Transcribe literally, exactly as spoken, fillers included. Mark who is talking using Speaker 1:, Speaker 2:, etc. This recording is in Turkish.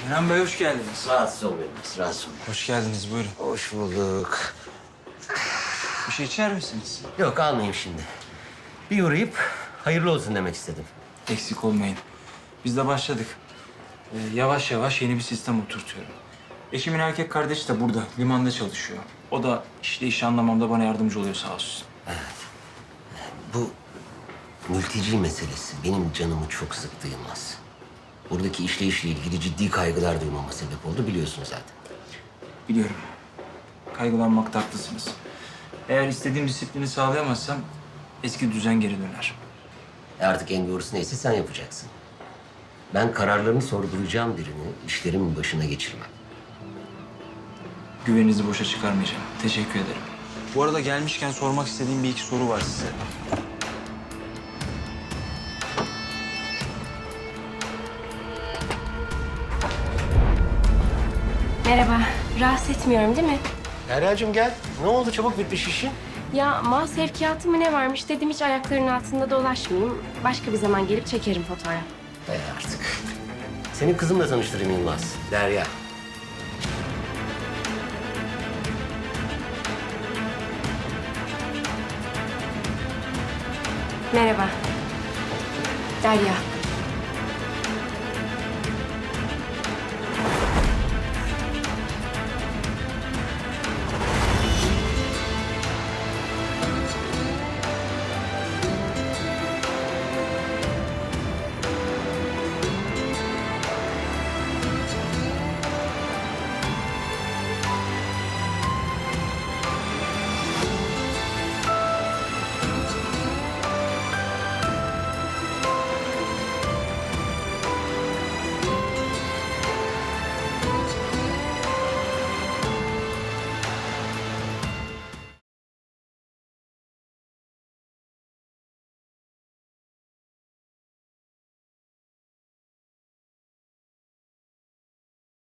Speaker 1: Kenan Bey hoş geldiniz.
Speaker 2: Rahatsız olmayın, rahatsız olmayın.
Speaker 1: Hoş geldiniz, buyurun.
Speaker 2: Hoş bulduk.
Speaker 1: Bir şey içer misiniz?
Speaker 2: Yok, almayayım şimdi. Bir uğrayıp hayırlı olsun demek istedim.
Speaker 1: Eksik olmayın. Biz de başladık. Ee, yavaş yavaş yeni bir sistem oturtuyorum. Eşimin erkek kardeşi de burada, limanda çalışıyor. O da işte işi anlamamda bana yardımcı oluyor sağ olsun.
Speaker 2: Bu mülteci meselesi benim canımı çok sıktı Yılmaz. Buradaki işleyişle ilgili ciddi kaygılar duymama sebep oldu, biliyorsunuz zaten.
Speaker 1: Biliyorum. Kaygılanmakta haklısınız. Eğer istediğim disiplini sağlayamazsam eski düzen geri döner.
Speaker 2: E artık en doğrusu neyse sen yapacaksın. Ben kararlarını sorgulayacağım birini işlerimin başına geçirmem.
Speaker 1: Güveninizi boşa çıkarmayacağım. Teşekkür ederim. Bu arada gelmişken sormak istediğim bir iki soru var size.
Speaker 3: Merhaba, rahatsız etmiyorum değil mi?
Speaker 2: Derya'cığım gel. Ne oldu, çabuk bitmiş işin?
Speaker 3: Ya mal sevkiyatı mı ne varmış dedim hiç ayaklarının altında dolaşmayayım. Başka bir zaman gelip çekerim fotoğraf.
Speaker 2: E artık. Senin kızımla tanıştırayım Yılmaz. Derya.
Speaker 3: Merhaba. Derya.